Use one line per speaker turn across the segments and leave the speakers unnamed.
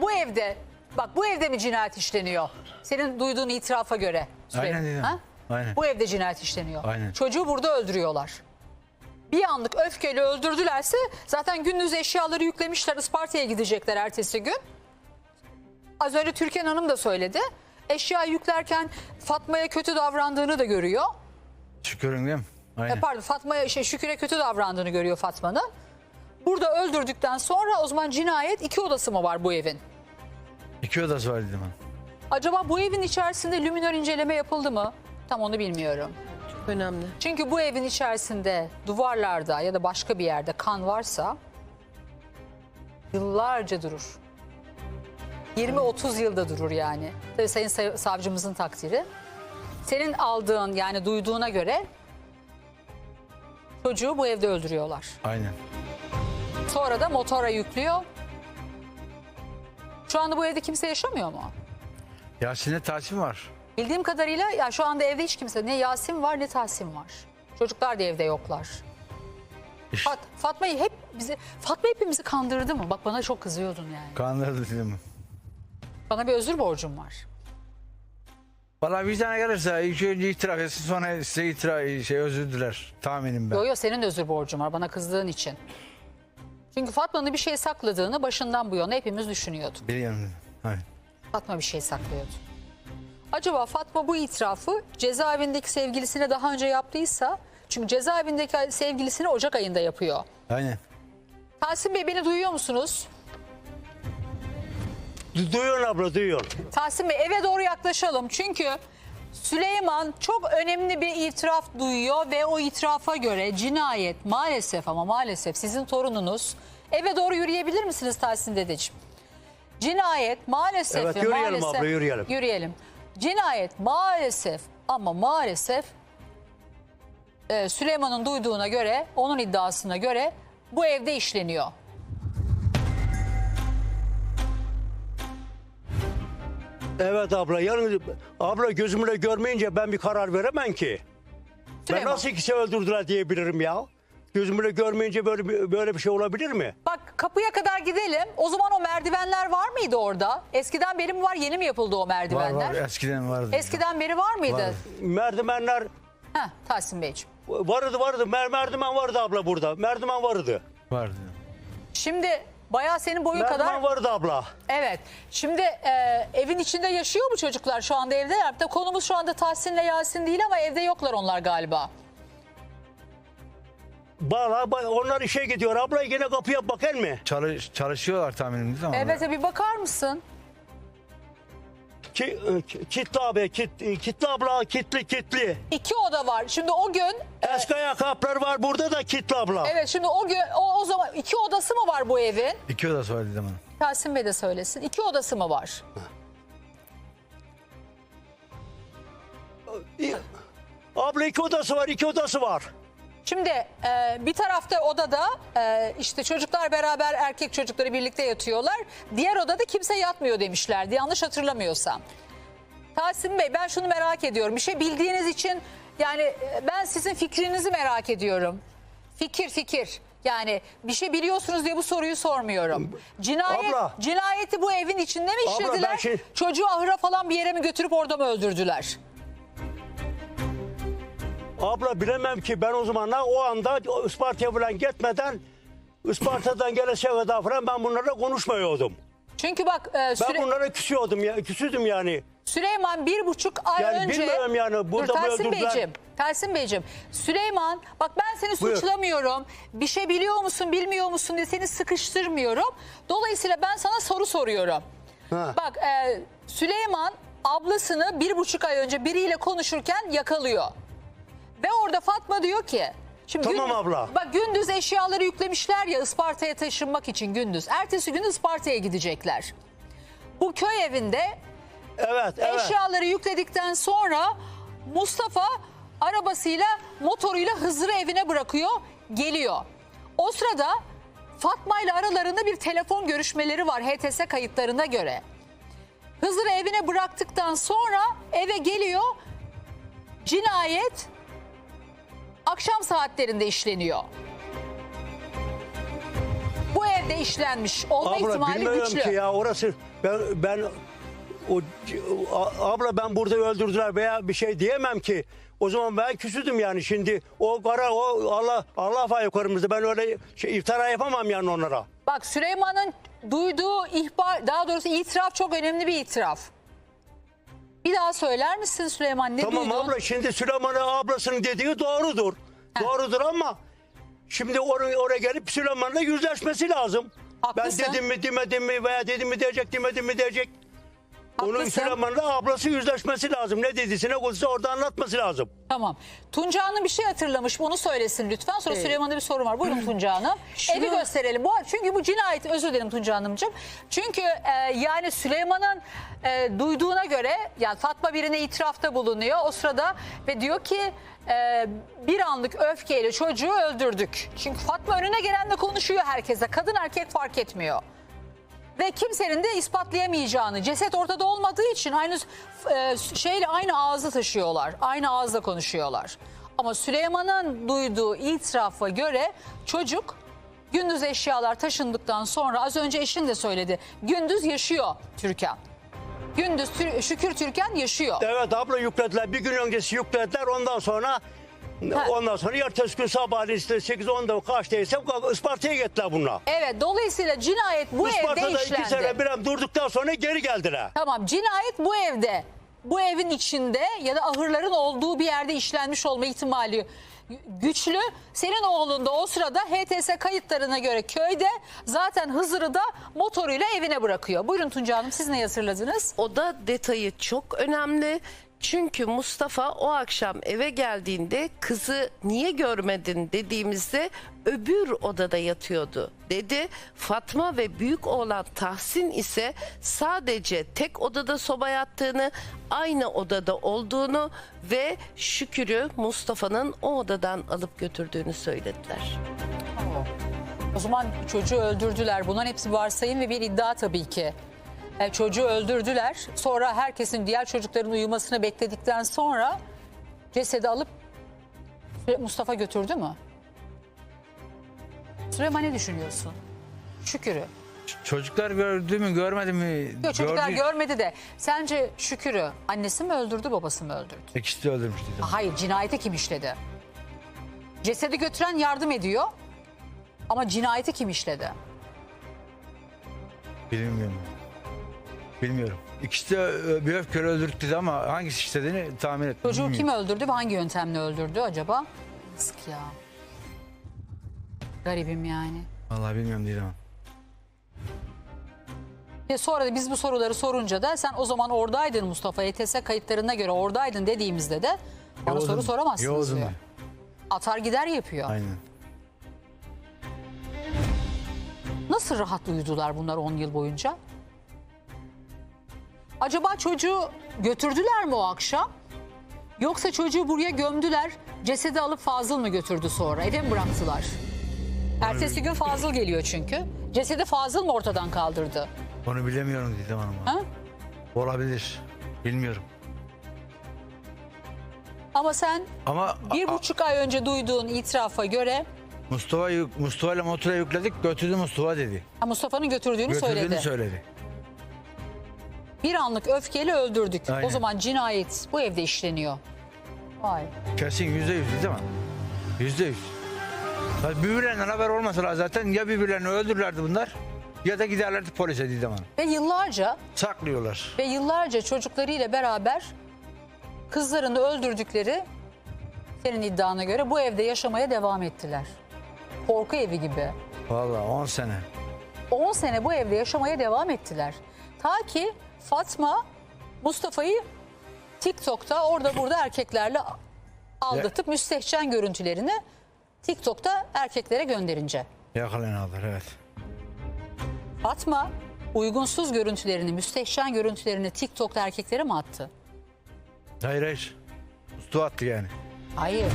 bu evde mi cinayet işleniyor? Senin duyduğun itirafa göre.
Aynen dedim.
Ha?
Aynen.
Bu evde cinayet işleniyor.
Aynen.
Çocuğu burada öldürüyorlar. Bir anlık öfkeyle öldürdülerse zaten gündüz eşyaları yüklemişler. Isparta'ya gidecekler ertesi gün. Az önce Türkan Hanım da söyledi. Eşya yüklerken Fatma'ya kötü davrandığını da görüyor.
Şükürün değil mi? Aynen.
Fatma'ya Şükür'e kötü davrandığını görüyor Fatma'nın. Burada öldürdükten sonra o zaman cinayet 2 odası mı var bu evin?
2 odası var dedim ben.
Acaba bu evin içerisinde luminör inceleme yapıldı mı? Tam onu bilmiyorum.
Çok önemli.
Çünkü bu evin içerisinde duvarlarda ya da başka bir yerde kan varsa yıllarca durur. 20-30 yılda durur yani. Tabii Sayın Savcımızın takdiri. Senin aldığın yani duyduğuna göre çocuğu bu evde öldürüyorlar.
Aynen.
Sonra da motora yüklüyor. Şu anda bu evde kimse yaşamıyor mu?
Yasin'le Tahsin var.
Bildiğim kadarıyla ya şu anda evde hiç kimse, ne Yasin var ne Tahsin var. Çocuklar da evde yoklar.
İşte
Fatma hepimizi kandırdı mı? Bak bana çok kızıyordun yani.
kandırdı dedim.
Bana bir özür borcum var.
Valla vicdana gelirse ilk önce itiraf etsin, sonra size özür diler. Tahminim ben.
Yo senin de özür borcun var bana kızdığın için. Çünkü Fatma'nın bir şey sakladığını başından bu yana hepimiz düşünüyorduk.
Biliyorum. Hayır.
Fatma bir şey saklıyordu. Acaba Fatma bu itirafı cezaevindeki sevgilisine daha önce yaptıysa... Çünkü cezaevindeki sevgilisini Ocak ayında yapıyor.
Aynen.
Tahsin Bey beni duyuyor musunuz?
Duyuyor abla, duyuyor.
Tahsin Bey eve doğru yaklaşalım. Çünkü Süleyman çok önemli bir itiraf duyuyor ve o itirafa göre cinayet maalesef sizin torununuz. Eve doğru yürüyebilir misiniz Tahsin dedeciğim? Cinayet maalesef
Evet, yürüyelim abla, yürüyelim.
Yürüyelim. Cinayet maalesef Süleyman'ın duyduğuna göre, onun iddiasına göre bu evde işleniyor.
Evet abla, yani abla gözümle görmeyince ben bir karar veremem ki.
Süleyman.
Ben nasıl ikisi öldürdüler diyebilirim ya. Gözümle görmeyince böyle bir şey olabilir mi?
Bak kapıya kadar gidelim. O zaman o merdivenler var mıydı orada? Eskiden beri mi var, yeni mi yapıldı o merdivenler?
Var eskiden vardı.
Eskiden beri var mıydı?
Vardı.
Merdivenler
Heh, Tahsin Beyciğim.
vardı. Merdiven vardı abla burada. Merdiven vardı.
Vardı.
Şimdi bayağı senin boyun kadar...
Merdiven vardı abla.
Evet. Şimdi evin içinde yaşıyor mu çocuklar? Şu anda evdeler. De konumuz şu anda Tahsin'le Yasin değil ama evde yoklar onlar galiba.
Onlar işe gidiyor. Abla yine kapıya bakar mı?
Çalışıyorlar tahminim değil mi?
Evet bir bakar mısın?
Kitli abi, kitli abla, kitli.
2 oda var. Şimdi o gün...
Eski ayakkabılar var burada da kitli abla.
Evet şimdi o gün o zaman 2 odası mı var bu evin?
2 odası var dedim bana.
Tahsin Bey de söylesin. 2 odası mı var?
Abla 2 odası var.
Şimdi bir tarafta odada işte çocuklar beraber erkek çocukları birlikte yatıyorlar. Diğer odada kimse yatmıyor demişlerdi yanlış hatırlamıyorsam. Tahsin Bey ben şunu merak ediyorum. Bir şey bildiğiniz için yani ben sizin fikrinizi merak ediyorum. Fikir. Yani bir şey biliyorsunuz diye bu soruyu sormuyorum. Cinayeti bu evin içinde mi işlediler? Çocuğu ahıra falan bir yere mi götürüp orada mı öldürdüler?
Abla bilemem ki ben o zaman o anda Isparta'ya falan gitmeden Isparta'dan gelese kadar falan ben bunlarla konuşmuyordum.
Çünkü bak
ben bunlara küsüdüm yani.
Süleyman 1,5 ay
yani
önce...
bilmiyorum yani burada mı öldürdüler?
Tahsin Beyciğim, Süleyman bak ben seni suçlamıyorum. Bir şey biliyor musun bilmiyor musun diye seni sıkıştırmıyorum. Dolayısıyla ben sana soru soruyorum.
Ha.
Bak Süleyman ablasını 1,5 ay önce biriyle konuşurken yakalıyor. Ve orada Fatma diyor ki... Şimdi
tamam abla.
Bak gündüz eşyaları yüklemişler ya Isparta'ya taşınmak için gündüz. Ertesi gün Isparta'ya gidecekler. Bu köy evinde eşyaları yükledikten sonra Mustafa arabasıyla motoruyla Hızır'ı evine bırakıyor geliyor. O sırada Fatma ile aralarında bir telefon görüşmeleri var HTS kayıtlarına göre. Hızır'ı evine bıraktıktan sonra eve geliyor. Cinayet akşam saatlerinde işleniyor. Bu evde işlenmiş olma ihtimali güçlü.
Ki ya Ben abla ben burada öldürdüler veya bir şey diyemem ki. O zaman ben küsüdüm yani şimdi. O Allah var yukarımızda. Ben öyle iftira yapamam yani onlara.
Bak Süleyman'ın duyduğu ihbar, daha doğrusu itiraf çok önemli bir itiraf. Bir daha söyler misin Süleyman, ne
Tamam
duydun?
abla, şimdi Süleyman'ın ablasının dediği doğrudur. Doğrudur ama şimdi oraya gelip Süleyman'la yüzleşmesi lazım.
Haklısın.
Ben dedim mi demedim mi veya dedim mi diyecek demedim mi diyecek. Onun
Haklısın.
Süleyman'la ablası yüzleşmesi lazım. Ne dediyse ne konuşsa orada anlatması lazım.
Tamam. Tunca Hanım bir şey hatırlamış. Onu söylesin lütfen. Sonra Süleyman'da bir soru var. Buyurun Tunca Hanım. Evi gösterelim. Çünkü bu cinayet, özür dilerim Tunca Hanımcığım. Çünkü yani Süleyman'ın duyduğuna göre yani Fatma birine itirafta bulunuyor o sırada ve diyor ki bir anlık öfkeyle çocuğu öldürdük. Çünkü Fatma önüne gelenle konuşuyor herkese. Kadın erkek fark etmiyor. Ve kimsenin de ispatlayamayacağını, ceset ortada olmadığı için aynı şeyle aynı ağzı taşıyorlar. Aynı ağızla konuşuyorlar. Ama Süleyman'ın duyduğu itirafa göre çocuk gündüz eşyalar taşındıktan sonra, az önce eşin de söyledi, gündüz yaşıyor Türkan. Gündüz Şükür Türkan yaşıyor.
Evet abla, yüklediler. Bir gün öncesi yüklediler. Ondan sonra ertesi gün sabahleyin işte 8-10'da kaçtaysa Isparta'ya gittiler bunlar.
Evet, dolayısıyla cinayet bu evde
Isparta'da
işlendi.
2 sene bir durduktan sonra geri geldiler.
Tamam, cinayet bu evde, bu evin içinde ya da ahırların olduğu bir yerde işlenmiş olma ihtimali güçlü. Senin oğlun da o sırada HTS kayıtlarına göre köyde, zaten Hızır'ı da motoruyla evine bırakıyor. Buyurun Tunca Hanım, siz ne hatırladınız?
O da detayı çok önemli. Çünkü Mustafa o akşam eve geldiğinde kızı niye görmedin dediğimizde öbür odada yatıyordu dedi. Fatma ve büyük oğlan Tahsin ise sadece tek odada soba yattığını, aynı odada olduğunu ve Şükür'ü Mustafa'nın o odadan alıp götürdüğünü söylediler.
O zaman çocuğu öldürdüler. Bunların hepsi varsayım ve bir iddia tabii ki. Çocuğu öldürdüler. Sonra herkesin, diğer çocukların uyumasını bekledikten sonra cesedi alıp Mustafa götürdü mü? Süleyman, ne düşünüyorsun? Şükür'ü.
Çocuklar gördü mü görmedi mi?
Yok, çocuklar
Gördü.
görmedi de sence Şükür'ü annesi mi öldürdü, babası mı öldürdü?
İkisi de öldürmüş dedim.
Hayır, cinayeti kim işledi? Cesedi götüren yardım ediyor ama cinayeti kim işledi?
Bilmiyorum. Bilmiyorum. İkisi de bir öfkeyle öldürdük dedi ama hangisi işlediğini tahmin etmiyorum.
Çocuğu kim öldürdü ve hangi yöntemle öldürdü acaba? Yazık ya. Garibim yani.
Vallahi bilmiyorum dedim.
Ve sonra da biz bu soruları sorunca da sen o zaman oradaydın Mustafa, ETS kayıtlarına göre oradaydın dediğimizde de bana
Yoğdum.
soru soramazsınız
Yoğdum
diyor.
ben.
Atar gider yapıyor.
Aynen.
Nasıl rahat uyudular bunlar 10 yıl boyunca? Acaba çocuğu götürdüler mi o akşam? Yoksa çocuğu buraya gömdüler, cesedi alıp Fazıl mı götürdü sonra? Eve mi bıraktılar? Ertesi gün Fazıl geliyor çünkü. Cesedi Fazıl mı ortadan kaldırdı?
Onu bilemiyorum dedim hanıma.
Ha?
Olabilir. Bilmiyorum.
Ama sen
Ama
1,5 ay önce duyduğun itirafa göre
Mustafa ile motora yükledik, götürdü Mustafa dedi.
Mustafa'nın götürdüğünü
Götürdüğünü
söyledi.
söyledi.
Bir anlık öfkeyle öldürdük.
Aynen.
O zaman cinayet bu evde işleniyor. Vay.
Kesin %100 değil mi? %100. Birbirlerinden haber olmasa zaten ya birbirlerini öldürürlerdi bunlar ya da giderlerdi polise dedim hanım.
Ve yıllarca çocuklarıyla beraber kızlarını öldürdükleri, senin iddiana göre, bu evde yaşamaya devam ettiler. Korku evi gibi.
Vallahi 10 sene.
10 sene bu evde yaşamaya devam ettiler. Ta ki Fatma Mustafa'yı TikTok'ta orada burada erkeklerle aldatıp müstehcen görüntülerini TikTok'ta erkeklere gönderince.
Yakalanıyorlar, evet.
Fatma uygunsuz görüntülerini, müstehcen görüntülerini TikTok'ta erkeklere mi attı?
Hayır. Ustu attı yani.
Hayır.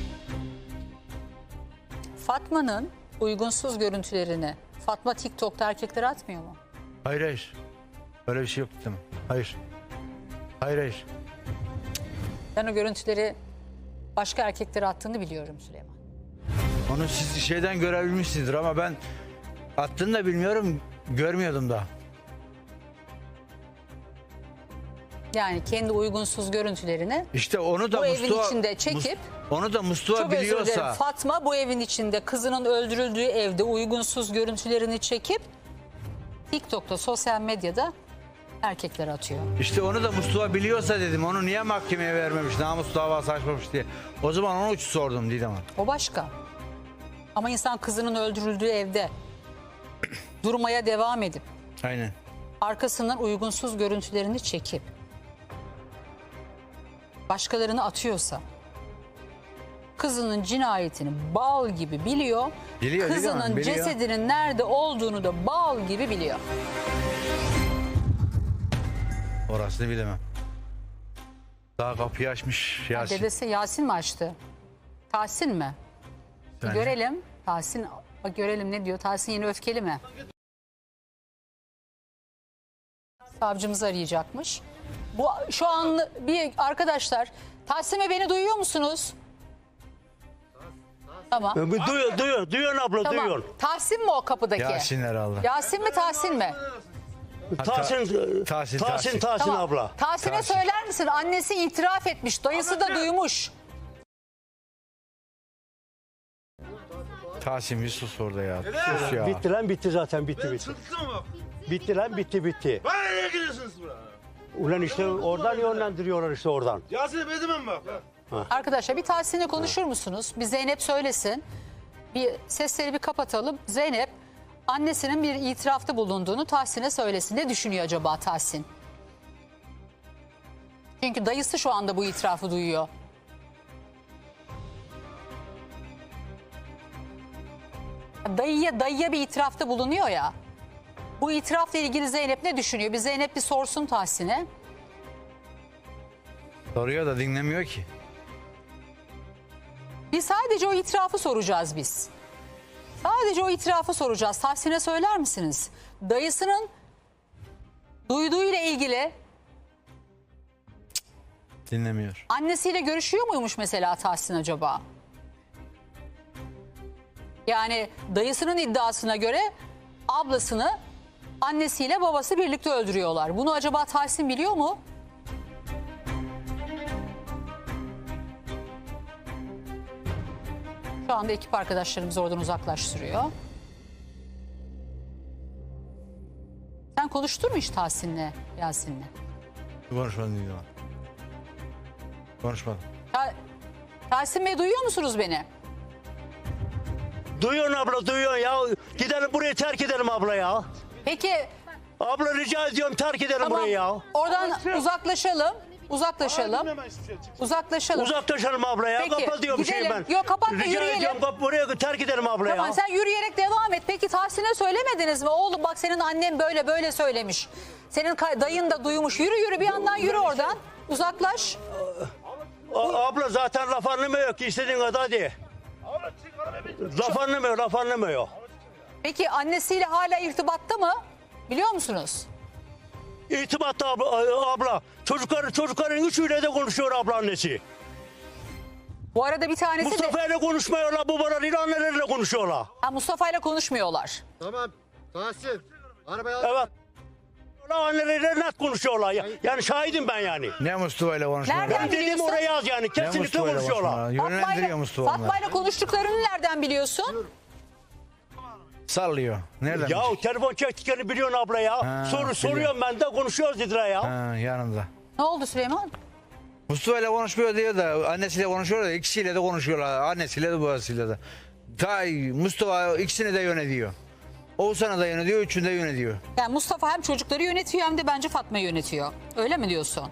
Fatma'nın uygunsuz görüntülerini Fatma TikTok'ta erkeklere atmıyor mu?
Hayır. Öyle bir şey yok dedim. Hayır. Hayır.
Ben o görüntüleri başka erkeklere attığını biliyorum Süleyman.
Onu siz şeyden görebilmişsinizdir ama ben attığını da bilmiyorum, görmüyordum da.
Yani kendi uygunsuz görüntülerini
İşte onu da
bu evin
Mustafa,
içinde çekip
onu da Mustafa
çok özür dilerim,
biliyorsa
Fatma bu evin içinde kızının öldürüldüğü evde uygunsuz görüntülerini çekip TikTok'ta, sosyal medyada erkeklere atıyor.
işte onu da Mustafa biliyorsa dedim onu niye mahkemeye vermemiş, namus davası açmamış diye. O zaman onu sordum Didem Hanım.
O başka. Ama insan kızının öldürüldüğü evde durmaya devam edip
Aynen.
arkasından uygunsuz görüntülerini çekip başkalarını atıyorsa, kızının cinayetini bal gibi biliyor.
Biliyor,
Kızının
biliyor, biliyor.
cesedinin nerede olduğunu da bal gibi biliyor.
Orasını bilemem. Daha kapıyı açmış Yasin.
Dedesi Yasin mi açtı? Tahsin mi? Bir
Bence.
görelim. Tahsin, bak görelim ne diyor. Tahsin yine öfkeli mi? Savcımız arayacakmış. Bu şu an bir arkadaşlar, Tahsin beni duyuyor musunuz? Tamam.
Duyuyorsun abla,
Tamam.
duyuyorsun.
Tahsin mi o kapıdaki?
Yasin herhalde.
Yasin mi Tahsin mi?
Tahsin
Tamam.
abla.
Tahsin'e
Tahsin.
söyler misin? Annesi itiraf etmiş. Dayısı da duymuş.
Tahsin bir sus orada ya. Sus ya.
Bitti lan, bitti zaten, bitti. Bitti lan, bitti.
Bana nereye gidiyorsunuz buraya?
Ulan işte oradan yönlendiriyorlar işte oradan.
Yasin'e bedemem bak.
Arkadaşlar bir Tahsin'le konuşur musunuz? Bir Zeynep söylesin. Bir sesleri bir kapatalım. Zeynep annesinin bir itirafta bulunduğunu Tahsin'e söylesin. Ne düşünüyor acaba Tahsin? Çünkü dayısı şu anda bu itirafı duyuyor. Dayıya bir itirafta bulunuyor ya. Bu itirafla ilgili Zeynep ne düşünüyor? Bir Zeynep bir sorsun Tahsin'e.
Soruyor da dinlemiyor ki.
Biz sadece o itirafı soracağız biz. Sadece o itirafı soracağız. Tahsin'e söyler misiniz? Dayısının duyduğuyla ilgili
Dinlemiyor.
annesiyle görüşüyor muymuş mesela Tahsin acaba? Yani dayısının iddiasına göre ablasını annesiyle babası birlikte öldürüyorlar. Bunu acaba Tahsin biliyor mu? Şu anda ekip arkadaşlarımız oradan uzaklaştırıyor. Sen konuştun mu hiç Tahsin'le, Yasin'le?
Konuşmadım Didem Hanım. Konuşmadım.
Tahsin Bey duyuyor musunuz beni?
Duyuyorsun abla, duyuyorsun ya. Gidelim burayı, terk edelim abla ya.
Peki
Abla rica ediyorum, terk edelim
tamam,
burayı ya.
oradan uzaklaşalım. Uzaklaşalım. Uzaklaşalım.
Uzaklaşalım abla ya.
Peki,
Kapa diyorum
gidelim.
ben.
Yok, kapatma,
Rica
yürüyelim.
ediyorum, buraya terk edelim abla
Tamam
ya.
sen yürüyerek devam et. Peki Tahsin'e söylemediniz mi? Oğlum bak senin annen böyle söylemiş. Senin dayın da duymuş. Yürü bir yandan yürü oradan. Uzaklaş.
Abla zaten laf anlamıyor ki, istediğin kadar hadi. Laf anlamıyor.
Peki annesiyle hala irtibatta mı? Biliyor musunuz?
İrtibatta abla. Çocukların üçüyle de konuşuyor abla annesi.
Bu arada bir tanesi de
Mustafa ile konuşmuyorlar, babalarıyla anneleriyle konuşuyorlar.
Mustafa ile konuşmuyorlar.
Tamam. Tahsin. Arabaya
Evet. Anneleriyle net konuşuyorlar. Yani şahidim ben yani.
Ne Mustafa ile konuşmalar?
Nereden
Dediğim
biliyorsun?
oraya yaz yani.
Ne
Kesinlikle
Mustafa ile
konuşuyorlar.
konuşmalar? Yönlendiriyor Mustafa onları.
Fatma ile konuştuklarını nereden biliyorsun?
Sallıyor. Nereden?
Ya
bilecek?
telefon çektiklerini biliyorsun abla ya. Soruyorum ben de, konuşuyoruz dediler ya.
Ha, yanında.
Ne oldu Süleyman?
Mustafa ile konuşmuyor diyor da annesiyle konuşuyor da ikisiyle de konuşuyorlar. Annesiyle de babasıyla da. Mustafa ikisini de yönetiyor. Oğuzhan'ı da yönetiyor, üçünü de yönetiyor.
Yani Mustafa hem çocukları yönetiyor hem de bence Fatma'yı yönetiyor. Öyle mi diyorsun?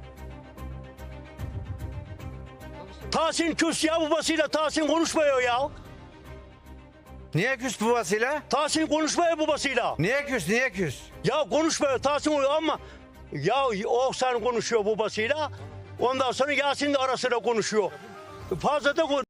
Tahsin küs ya, babasıyla Tahsin konuşmuyor ya.
Niye küs babasıyla?
Tahsin konuşmuyor babasıyla.
Niye küs? Niye küs?
Ya konuşmuyor Tahsin ama ya o sen konuşuyor babasıyla. Ondan sonra Yasin de arasında konuşuyor. Fazla da